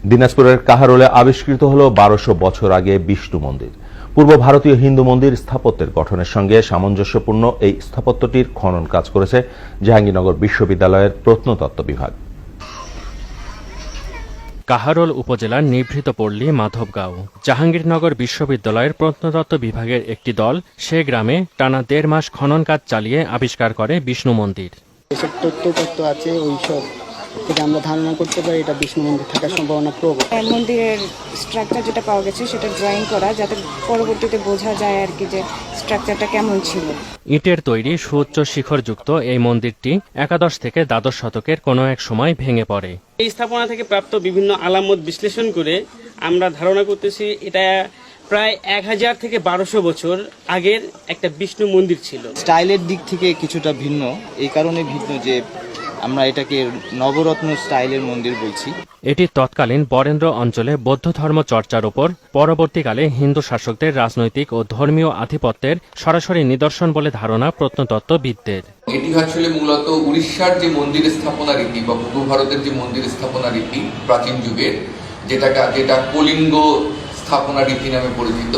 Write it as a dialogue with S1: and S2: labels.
S1: দিনাজপুরের কাহারোলে আবিষ্কৃত হল 1200 বছর আগে বিষ্ণু মন্দির। পূর্ব ভারতীয় হিন্দু মন্দির স্থাপত্যের গঠনের সঙ্গে সামঞ্জস্যপূর্ণ এই স্থাপত্যটির খনন কাজ করেছে জাহাঙ্গীরনগর বিশ্ববিদ্যালয়ের প্রত্নতত্ত্ব বিভাগ।
S2: কাহারোল উপজেলার নিভৃত পল্লী মাধবগাঁও। জাহাঙ্গীরনগর বিশ্ববিদ্যালয়ের প্রত্নতত্ত্ব বিভাগের একটি দল সে গ্রামে টানা 1.5 মাস খনন কাজ চালিয়ে আবিষ্কার করে বিষ্ণু মন্দির।
S3: এসব তথ্য আছে ওইসব থেকে আমরা ধারণা করতে পারি এটা বিষ্ণু মন্দির থাকার সম্ভাবনা প্রবল।
S4: মন্দিরের স্ট্রাকচার যেটা পাওয়া গেছে সেটা ড্রয়িং করা, যাতে পরবর্তীতে বোঝা যায় আর কি যে স্ট্রাকচারটা কেমন ছিল।
S2: ইটের তৈরি সুউচ্চ শিখরযুক্ত এই মন্দিরটি একাদশ থেকে দ্বাদশ শতকের কোনো এক সময় ভেঙে পড়ে।
S5: এই স্থাপনা থেকে প্রাপ্ত বিভিন্ন আলামত বিশ্লেষণ করে আমরা ধারণা করতেছি এটা প্রায় 1000 থেকে 1200 বছর আগের একটা বিষ্ণু মন্দির ছিল।
S6: স্টাইলের দিক থেকে কিছুটা ভিন্ন, এই কারণে ভিন্ন যে আমরা এটাকে নবরত্ন স্টাইলের মন্দির বলছি।
S2: এটি তৎকালীন বরেন্দ্র অঞ্চলে বৌদ্ধ ধর্ম চর্চার উপর পরবর্তীকালে হিন্দু শাসকদের রাজনৈতিক ও ধর্মীয় আধিপত্যের সরাসরি নিদর্শন বলে ধারণা প্রত্নতত্ত্ববিদদের।
S7: এটি আসলে মূলত উড়িষ্যার যে মন্দির স্থাপনা রীতি বা পূর্ব ভারতের যে মন্দির স্থাপনা রীতি প্রাচীন যুগের, যেটা কলিঙ্গ স্থাপনা রীতি নামে পরিচিত।